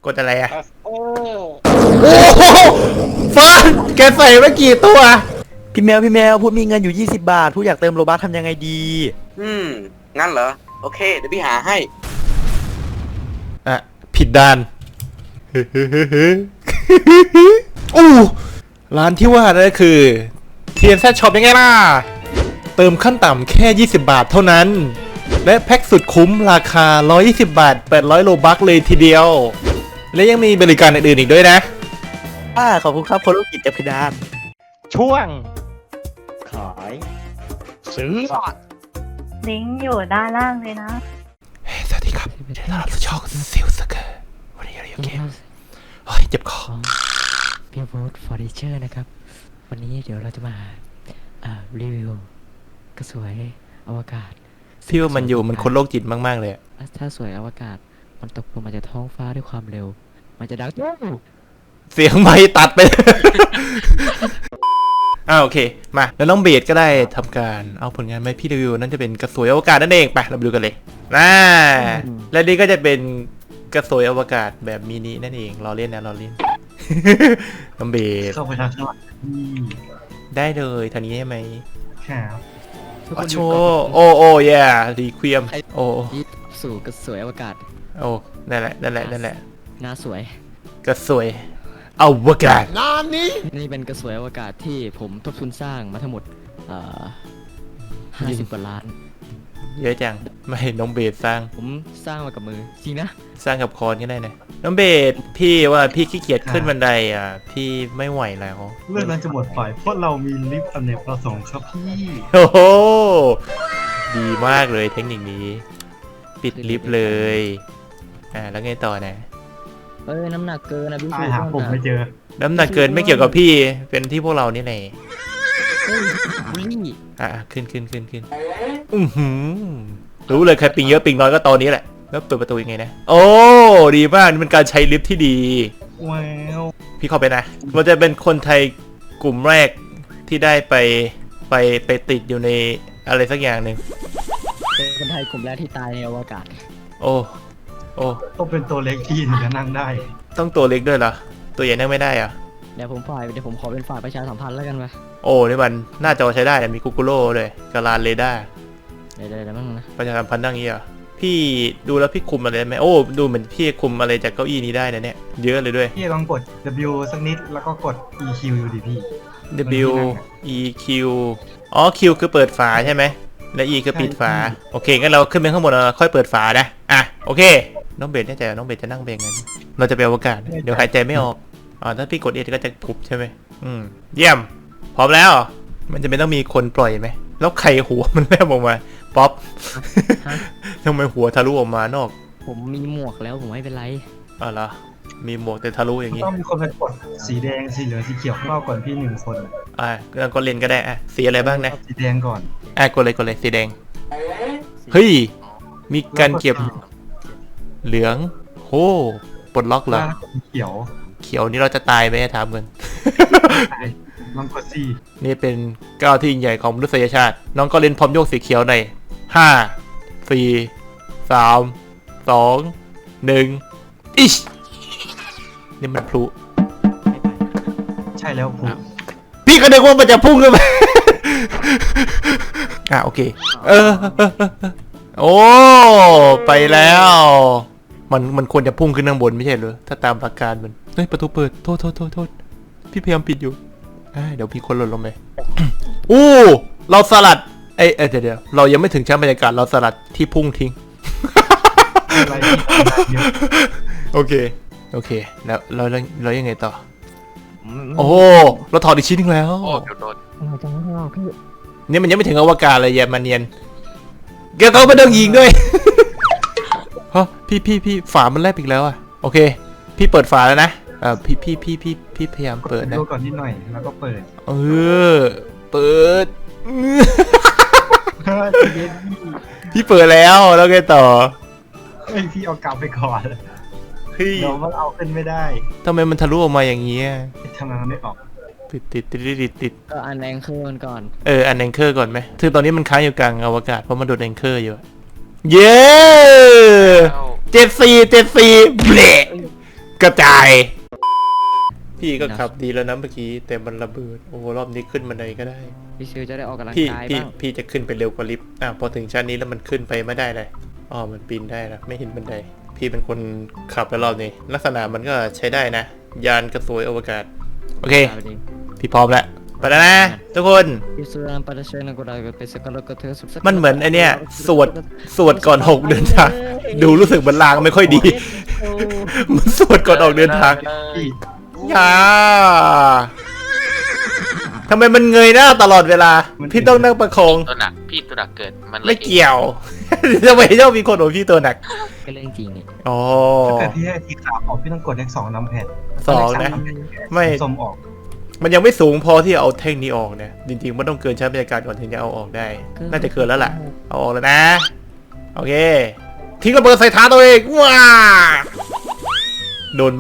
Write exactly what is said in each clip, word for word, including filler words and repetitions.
กดอะไรอะเออโอ้โหฟอนแกใส่มากี่ตัวพี่แมวพี่แมวพูดมีเงินอยู่ยี่สิบบาทพูดอยากเติมโลบัคทำยังไงดีอืมงั้นเหรอโอเคเดี๋ยวพี่หาให้อ่ะผิดด้านอู้ร้านที่ว่านั่นก็คือ ที เอ็น แซด Shop ยังไงล่ะเติมขั้นต่ำแค่ยี่สิบบาทเท่านั้นและแพ็คสุดคุ้มราคาหนึ่งร้อยยี่สิบบาทแปดร้อยโลบัคเลยทีเดียวและยังมีบริการอื่นๆอีกด้วยนะอ่าขอบคุณครับคนลูกกิจจับพิดานช่วงขายซื้อลิงก์อยู่ด้านล่างเลยนะสวัสดีครับยินดีต้อนรับสู่ช่องซิลสเกอร์วันนี้เราอยู่เกมโอ้ยเจ็บคอพี่โบ๊ทเฟอร์นิเจอร์นะครับวันนี้เดี๋ยวเราจะมาอ่ารีวิวกระสวยอวกาศพี่ว่ามันอยู่มันคนโรคจิตมากๆเลยถ้าสวยอวกาศมันตกลงมาจากท้องฟ้าด้วยความเร็วมันจะดังเสียงไมค์ตัดไป อ่าโอเคมาแล้วน้องเบสก็ได้ทำการเอาผลงานมาให้พี่รีวิวนั่นจะเป็นกระสวยอวกาศนั่นเองไปเราไปดูกันเลยน่าและนี่ก็จะเป็นกระสวยอวกาศแบบมินินั่นเองรอเล่นนะรอเล่น น้องเบสเข้าไปทางข้างหลังได้เลยทางนี้ใช่ไหมครับโอ้โชโอ้โอ้ยรีควีมโอ้สู่กระสวยอวกาศโอ้นั่นแหละนั่นแหละนั่นแหละหน้าสวยกระสวยอวกาศน้ำนี้นี่เป็นกระสวยอวกาศที่ผมทบทุนสร้างมาทั้งหมดเอ่อห้าสิบกว่าล้านเยอะจังไม่น้องเบสสร้างผมสร้างมากับมือจริงนะสร้างกับคอนก็ได้นะน้องเบสพี่ว่าพี่ขี้เกียจขึ้นบันไดอ่ะพี่ไม่ไหวแล้วเรื่องนั้นจะหมดไปเพราะเรามีลิฟต์อเนกประสงค์ครับพี่โอ้โหดีมากเลยเทคนิคนี้ปิดลิฟต์เลยอ่าแล้วไงต่อนะเอ้ยน้ำหนักเกินนะพี่ตายหาผมไม่เจอน้ำหนักเกินไม่เกี่ยวกับพี่เป็นที่พวกเรานี่แหละอ่ะขึ้นขึ้นขึ้นขึ้นอือหือรู้เลยใครปิงเยอะปิงน้อยก็ตอนนี้แหละแล้วเปิดประตูยังไงนะโอ้ดีมากนี่เป็นการใช้ลิฟต์ที่ดีว้าวพี่เข้าไปนะมันจะเป็นคนไทยกลุ่มแรกที่ได้ไปไปไปติดอยู่ในอะไรสักอย่างหนึ่งเป็นคนไทยกลุ่มแรกที่ตายในอวกาศโอ้โอ้ต้องเป็นตัวเล็กที่ถึงจะนั่งได้ต้องตัวเล็กด้วยเหรอตัวใหญ่นั่งไม่ได้อะเดี๋ยวผมฝ่ายเดี๋ยวผมขอเป็นฝ่ายประชาสัมพันธ์แล้วกันไปโอ้นี่มันหน้าจอใช้ได้มีกูกูโร่เลยกาลานเรดาร์เดี๋ยวเดี๋ยวมั่งนะประชาสัมพันธ์ดังนี้อ่ะพี่ดูแล้วพี่คุมอะไรไหมโอ้ดูเหมือนพี่คุมอะไรจากเก้าอี้นี้ได้นะเนี่ยเยอะเลยด้วยพี่ลองกด W สักนิดแล้วก็กด อี คิว อยู่ดิพี่ W E Q อ๋อ Q คือเปิดฝาใช่ไหมและ E คือปิดฝาโอเคงั้นเราขึ้นไปข้างบนเราค่อยเปิดฝานะอ่ะโอเคน้องเบสแน่ใจน้องเบสจะนั่งเบงกันเราจะไปอวกาศเดี๋ยวหายใจไม่ออกอ๋อถ้าพี่กดเอก็จะพุบใช่ไหมอืมเยี่ยมพร้อมแล้วมันจะไม่ต้องมีคนปล่อยไหมแล้วไข่หัวมันแลบออกมาป๊อปทำไมหัวทะลุออกมานอกผมมีหมวกแล้วผมไม่เป็นไรอ๋อเหรอมีหมวกแต่ทะลุอย่างนี้ต้องมีคนไปกดสีแดงสีเหลืองสีเขียวเข้าก่อนพี่หนึ่งคนอ่ะแล้วก็เล่นก็ได้อ่ะสีอะไรบ้างนะสีแดงก่อนอ่ะกดเลยกดเลยสีแดงเฮ้ยมีการเก็บเหลืองโอ้ปลดล็อกเหรอเขียวเขียวนี่เราจะตายไหมถามกันลองกดสีนี่เป็นก้าวที่ยิ่งใหญ่ของมนุษยชาติน้องก็เล่นพร้อมโยกสีเขียวในห้าสี่สามสองหนึ่งอิชนี่มันพลุใช่แล้วพลุพี่ก็นึกว่ามันจะพุ่งขึ้นไปอ่ะโอเคเออโอ้ไปแล้วมันมันควรจะพุ่งขึ้นข้างบนไม่ใช่เหรอถ้าตามหลักการมันเฮ้ยประตูเปิดโทษโทษโทษโทษพี่พยายามปิดอยู่เดี๋ยวพี่คนหล่นลงไปอู้เราสลัดเอ้ยเดี๋ยวเดี๋ยวเรายังไม่ถึงชั้นบรรยากาศเราสลัดที่พุ่งทิ้งโอเคโอเคแล้วเราเรายังไงต่อโอ้เราถอดอีกชิ้นนึงแล้วนี่มันยังไม่ถึงอวกาศเลยแยมมาเนียนแกเขาไม่ต้องยิงด้วยฮะพี่พี่พี่ฝามันแลบอีกแล้วอ่ะโอเคพี่เปิดฝาแล้วนะเอ่อพี่พี่พี่พี่พี่พยายามเปิดนะดูก่อนนิดหน่อยแล้วก็เปิดเออเปิดพี่เปิดแล้วแล้วไงต่อเฮ้ยพี่เอากลับไปก่อนเดี๋ยวมันเอาขึ้นไม่ได้ทำไมมันทะลุออกมาอย่างนี้ทำไมมันไม่ออกติดติดติดติดติดก็อันแองเกอร์ก่อนเอออันแองเกอร์ก่อนไหมคือตอนนี้มันค้างอยู่กลางอวกาศเพราะมันโดนแองเกอร์อยู่เย้ เจ็ดสี่เจ็ดสี่เบลกระจาย พี่ก็ขับดีแล้วนะเมื่อกี้แต่มันระเบิดโอ้รอบนี้ขึ้นบันไดก็ได้พี่ซิวจะได้ออกกำลังพี่กายพี่บ้างพี่จะขึ้นไปเร็วกว่าลิฟต์อ่ะพอถึงชั้นนี้แล้วมันขึ้นไปไม่ได้เลยอ๋อมันปีนได้นะไม่เห็นบันไดพี่เป็นคนขับแล้วรอบนี้ลักษณะมันก็ใช้ได้นะ ยานกระสวยอวกาศโอเคเอาดิพี่พร้อมแล้วไปแล้วนะทุกคนพี่ซิวอันปาราเชนกูได้ไปสกัดกระเทือสุดสักมันเหมือนไอเนี้ยสวดสวดก่อนหกเดินทางดูรู้สึกมันลางไม่ค่อยดี มันสวดก่อนออกเดินทางพี่อย่าทำไมมันเงยหน้าตลอดเวลา พี่ต้องนั่งประคองตัวหนักพี่ตัวหนักเกิดมันไม่เกี่ยว ทำไมชอบมีคนโอพี่ตัวหนักก็เรื่องจริงนี่อ๋อถ้าเกิดพี่ให้ทีขาออกพี่ต้องกดเลขสองนำแผ่นสองนะ ไม่สมออกมันยังไม่สูงพอที่จะเอาแท่งนี้ออกเนี่ย จริงๆมันต้องเกินชั้นบรรยากาศก่อนถึงจะเอาออกได้ น่าจะเกินแล้วล่ะ เอาออกแล้วนะ โอเค ทิ้งระเบิดใส่เท้าตัวเองว้าโดนไหม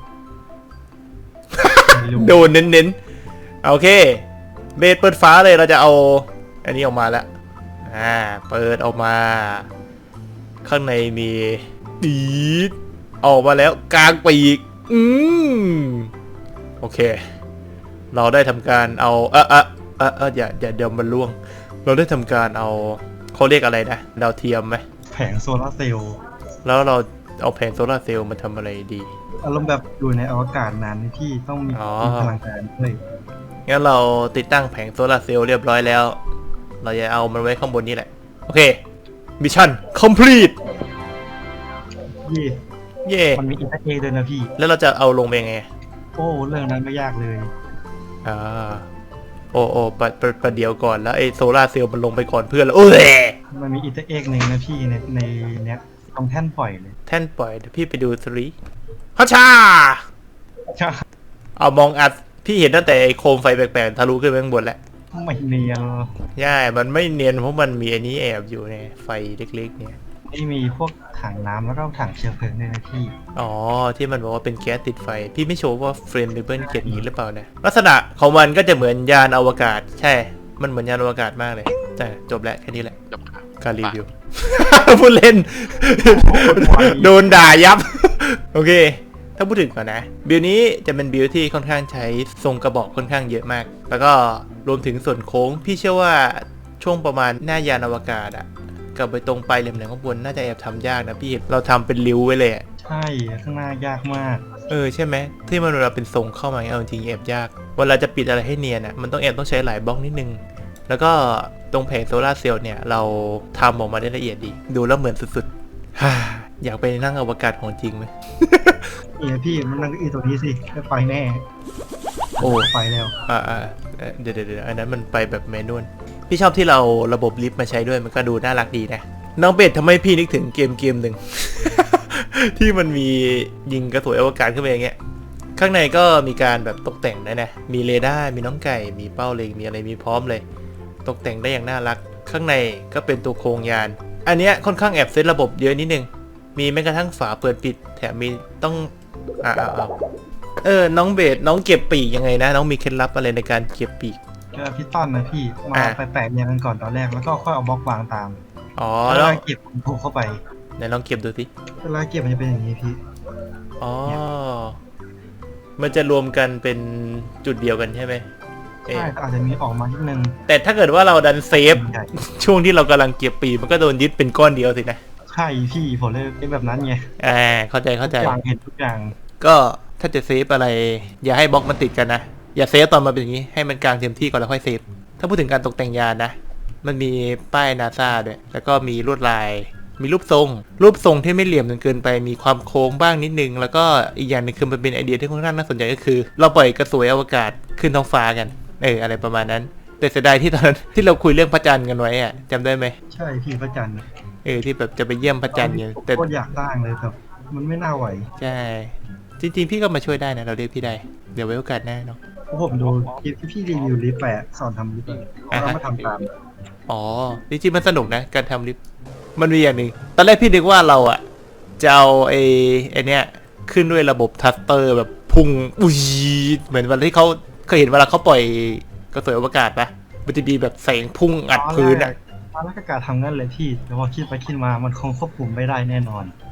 โดนเน้นๆ โอเค เบสเปิดฟ้าเลยเราจะเอา อันนี้ออกมาแล้ว อ่า เปิดออกมา ข้างในมีดีดออกมาแล้วกลางปีก อืมโอเค เราได้ทำการเอาเออเออเออเอออย่าอย่าเดี๋ยวมันล่วง เราได้ทำการเอาเขาเรียกอะไรนะดาวเทียมไหมแผงโซลาร์เซลล์แล้วเราเอาแผงโซลาร์เซลล์มาทำอะไรดีอารมณ์แบบอยู่ในอวกาศนานที่ต้องมีอ๋อมีพลังงานด้วยงั้นเราติดตั้งแผงโซลาร์เซลล์เรียบร้อยแล้ว เราจะเอามันไว้ข้างบนนี้แหละ โอเค มิชชั่น complete ยี่เย่มันมีอินเตอร์เอด้วยนะพี่แล้วเราจะเอาลงไปยังไงโอ้เรื่องนั้นไม่ยากเลยอ่า โอ้โอ้ประประประเดี๋ยวก่อนแล้วไอ้โซลาร์เซลล์มันลงไปก่อนเพื่อนแล้วโอ้ยมันมีอินเตอร์เอ็กหนึ่งนะพี่ในในเนี้ยตรงแท่นปล่อยเลยแท่นปล่อยเดี๋ยวพี่ไปดูสรีฮัชชาใช่เอามองอัดพี่เห็นตั้งแต่ไอ้โคมไฟแปลกๆทะลุขึ้นไปข้างบนแล้วไม่เนียนใช่มันไม่เนียนเพราะมันมีอันนี้แอบอยู่เนี่ยไฟเล็กๆเนี่ยไม่มีพวกถังน้ำแล้วก็ถังเชื้อเพลิงด้วยนะพี่อ๋อที่มันบอกว่าเป็นแก๊สติดไฟ พี่ไม่โชว์ว่าเฟรมเบเบิลเขียนอย่างนี้หรือเปล่านะลักษณะของมันก็จะเหมือนยานอวกาศ ใช่ มันเหมือนยานอวกาศมากเลยแต่จบแล้วแค่นี้แหละจบครับการรีวิว พูดเล่น โดนด่ายับ โอเค ถ้าพูดถึงก่อนนะ บิลนี้จะเป็นบิลที่ค่อนข้างใช้ทรงกระบอกค่อนข้างเยอะมาก แล้วก็รวมถึงส่วนโค้ง พี่เชื่อว่าช่วงประมาณหน้ายานอวกาศอะกับไปตรงปลายเหลี่ยมๆข้างบนน่าจะแอบทำยากนะพี่ เราทำเป็นริ้วไว้เลยอะใช่ข้างหน้ายากมากเออใช่ไหมที่มันเวลาเป็นทรงเข้ามาเอาจริงๆแอบยากเวลาจะปิดอะไรให้เนียนอะมันต้องแอบต้องใช้หลายบล็อกนิดนึง แล้วก็ตรงแผงโซลาร์เซลล์เนี่ยเราทำออกมาได้ละเอียดดี ดูแล้วเหมือนสุดๆ ฮ่าอยากไปนั่งอวกาศของจริงไหมนี่พี่มันนั่งอีตัวนี้สิไม่ไปแน่โอ้ไปแล้วอ่าอ่าเอ่อเดี๋ยวเดี๋ยวเดี๋ยวอันนั้นมันไปแบบแมนนวลพี่ชอบที่เราระบบลิฟต์มาใช้ด้วยมันก็ดูน่ารักดีนะน้องเป็ดทำให้พี่นึกถึงเกมเกมหนึ่ง ที่มันมียิงกระสวยอวกาศขึ้นไปอย่างเงี้ยข้างในก็มีการแบบตกแต่งได้นะมีเรดาร์มีน้องไก่มีเป้าเล็งมีอะไรมีพร้อมเลย ตกแต่งได้อย่างน่ารัก ข้างในก็เป็นตัวโครงยาน อันเนี้ยค่อนข้างแอบเซตระบบเยอะนิดนึงมีแม้กระทั่งฝาเปิดปิดแถมมีต้องอ่าอ่าอ่าเออน้องเบสน้องเก็บปีกยังไงนะน้องมีเคล็ดลับอะไรในการเก็บปีกก็พี่ต้อนนะพี่มาอ่ะไปแปะเรียงกันก่อนตอนแรกแล้วก็ค่อยเอาบล็อกวางตามอ๋อเวแล้วลาเก็บผูกเข้าไปไหนลองเก็บดูสิเวลาเก็บมันจะเป็นอย่างนี้พี่อ๋อ มันจะรวมกันเป็นจุดเดียวกันใช่ไหมเอ๊ะใช่อาจจะมีออกมานิดนึงแต่ถ้าเกิดว่าเราดันเซฟใหญ่ช่วงที่เรากำลังเก็บปีกมันก็โดนยึดเป็นก้อนเดียวสินะใช่พี่ผมเลยเป็นแบบนั้นไงอ่าเข้าใจเข้าใจทุกอย่างเห็นทุกอย่างก็ถ้าจะเซฟอะไร อย่าให้บล็อกมันติดกันนะ อย่าเซฟตอนมันเป็นอย่างนี้ให้มันกลางเต็มที่ก่อนแล้วค่อยเซฟ ถ้าพูดถึงการตกแต่งยานนะ มันมีป้ายนาซาด้วย แล้วก็มีลวดลาย มีรูปทรง รูปทรงที่ไม่เหลี่ยมจนเกินไป มีความโค้งบ้างนิดนึง แล้วก็อีกอย่างหนึงคือมันเป็นไอเดียที่ค่อนข้างน่าสนใจก็คือ เราปล่อยกระสวยอวกาศขึ้นท้องฟ้ากัน เอออะไรประมาณนั้น แต่เสียดายที่ตอนนั้นที่เราคุยเรื่องพระจันทร์กันไว้อะจำได้ไหมใช่พี่พระจันทร์เออที่แบบจะไปเยี่ยมพระจันทร์เนี่ยแต่โคตรอยากสร้างเลยแต่มันไม่น่าไหวใช่ จริงๆพี่ก็มาช่วยได้นะเราเรียกพี่ได้ เดี๋ยวไว้โอกาสหน้าเนาะเพราะผมดูคลิปที่พี่รีวิวลิฟต์ไปอะสอนทำลิฟต์อะเรามาทำตามอ๋อ จริงๆมันสนุกนะ การทำลิฟต์มันมีอย่างหนึ่งตอนแรกพี่นึกว่าเราอะจะเอาไอ้ไอ้เนี้ยขึ้นด้วยระบบทัสเตอร์แบบพุ่งอุ้ยเหมือนวันที่เขาเคยเห็นเวลาเขาปล่อยกระสวยอวกาศปะมันจะมีแบบแสงพุ่งอัดพื้นอะตอนแรกก็กะทำงั้นเลยพี่แต่พอคิดไปคิดมามันคงควบคุมไม่ได้แน่นอน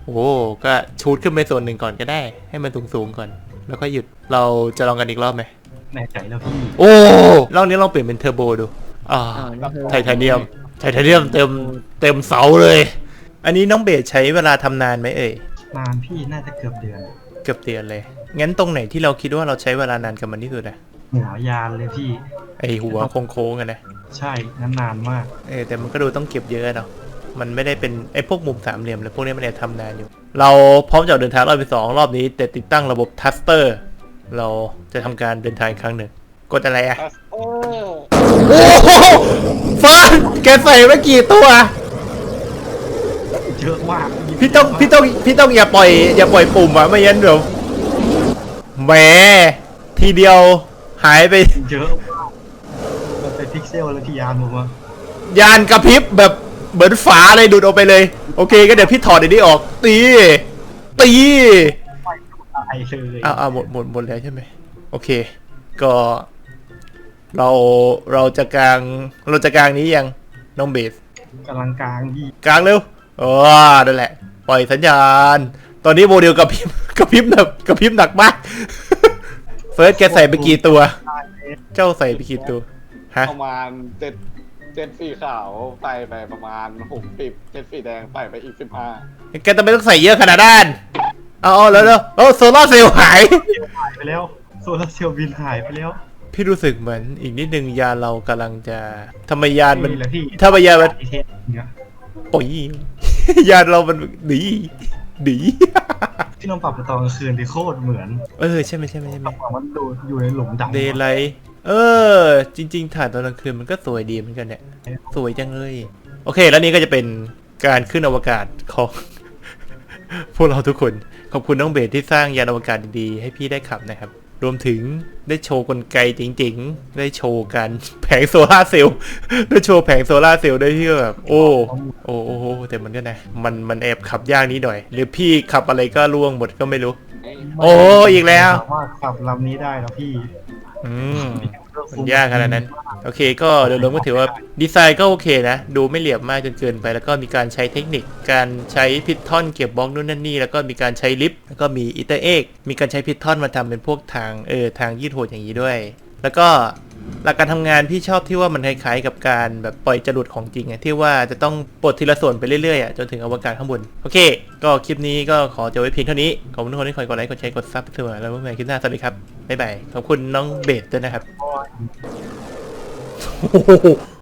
โอ้ก็ชูดขึ้นไปส่วนหนึ่งก่อนก็ได้ ให้มันสูงๆก่อน แล้วก็หยุดเราจะลองกันอีกรอบไหมแน่ใจแล้วพี่โอ้รอบนี้ลองเปลี่ยนเป็นเทอร์โบดูอ่าอ้าวนี่คือไทเทเนียมไทเทเนียมเต็มเต็มเสาเลย อันนี้น้องเบสใช้เวลาทำนานไหมเอ่ยนานพี่น่าจะเกือบเดือนเกือบเดือนเลย งั้นตรงไหนที่เราคิดว่าเราใช้เวลานานกับมันที่สุดอะหัวยานเลยพี่ไอหัวโค้งๆอะนะใช่นั้นนานมากเออแต่มันก็ดูต้องเก็บเยอะเนาะมันไม่ได้เป็นไอพวกมุมสามเหลี่ยมเลยพวกนี้มันเนี่ยทำนานอยู่ เราพร้อมจะออกเดินทางรอบที่สองรอบนี้แต่ติดตั้งระบบทัสเตอร์ เราจะทำการเดินทางอีกครั้งหนึ่งกดอะไรอะโอ้โหฟานแกใส่ไว้กี่ตัวเยอะมากพี่ต้องพี่ต้องพี่ต้องอย่าปล่อยอย่าปล่อยปุ่มอะไม่งั้นเดี๋ยวแหมทีเดียวหายไปเยอะมากมันเป็นพิกเซลแล้วที่ยานผมว่ายานกระพริบแบบเหมือนฝาเลยดูดออกไปเลย โอเคก็เดี๋ยวพี่ถอดอันนี้ออก ตีตีตายเลยอ้าวอ้าวหมดหมดหมดแล้วใช่ไหมโอเค ก็เราเราจะกลางเราจะกลางนี้ยังน้องเบสกำลังกลางพี่กลางเร็วอ๋อนั่นแหละ ปล่อยสัญญาณ ตอนนี้โมเดลกระพริบกระพริบแบบกระพริบหนักมาก เฟิร์สแกใส่ไปกี่ตัว เจ้าใส่ไปกี่ตัว ฮะประมาณเจ็ดเจ็ดสีขาวใส่ไปประมาณหกสิบเจ็ดสีแดงใส่ไปอีกสิบห้าแกจะไม่ต้องใส่เยอะขนาดนั้นเอาเอาแล้วแล้วโอ้โซล่าร์เซลล์หายหายไปแล้วโซลาร์เซลล์บินหายไปแล้วพี่รู้สึกเหมือนอีกนิดนึงยานเรากำลังจะทำไมยานมันนี่แหละพี่ถ้าไมยานมันอีเทสเนี่ยโอ้ย ยานเรามันดีดีที่เราปรับไปตอนกลางคืนที่โคตรเหมือนเออใช่ไหมใช่ไหมใช่ไหมต้องบอกว่าดูอยู่ในหลุมดำเดย์ไลท์เออ จริง ๆ ถ่ายตอนกลางคืนมันก็สวยดีเหมือนกันเนี่ย สวยจังเลย โอเค แล้วนี่ก็จะเป็นการขึ้นอวกาศของ พวกเราทุกคน ขอบคุณน้องเบสที่สร้างยานอวกาศดีๆให้พี่ได้ขับนะครับ รวมถึงได้โชว์กลไกจริงๆ ได้โชว์การ แผงโซลาร์เซลล์ ได้โชว์แผงโซลาร์เซลล์ได้ที่แบบ โอ้ โอ้โอ้โหแต่มันก็นะ มันมันแอบขับยากนิดหน่อย หรือพี่ขับอะไรก็ล่วงหมดก็ไม่รู้ โอ้อีกแล้วสามารถขับลำนี้ได้แล้วพี่อืม มันยากขนาดนั้น โอเคก็โดยรวมก็ถือว่าดีไซน์ก็โอเคนะ ดูไม่เหลี่ยมมากจนเกินไป แล้วก็มีการใช้เทคนิค การใช้พิททอนเก็บบล็อกนู่นนั่นนี่ แล้วก็มีการใช้ลิฟต์แล้วก็มีอิตเตอร์เอ็กมีการใช้พิททอนมาทำเป็นพวกทางเออทางยืดโหดอย่างนี้ด้วย แล้วก็หลักการทำงานพี่ชอบที่ว่ามันคล้ายๆกับการแบบปล่อยจรวดของจริงอะที่ว่าจะต้องปลดทีละส่วนไปเรื่อยๆอะจนถึงอวกาศข้างบนโอเค ก็คลิปนี้ก็ขอจบไว้เพียงเท่านี้ขอบคุณทุกคนที่คอยกดไลค์กดแชร์กดซับเสมอแล้วพบกันใหม่คลิปหน้าสวัสดีครับบ๊ายบายขอบคุณน้องเบสด้วยนะครับ โอ้โห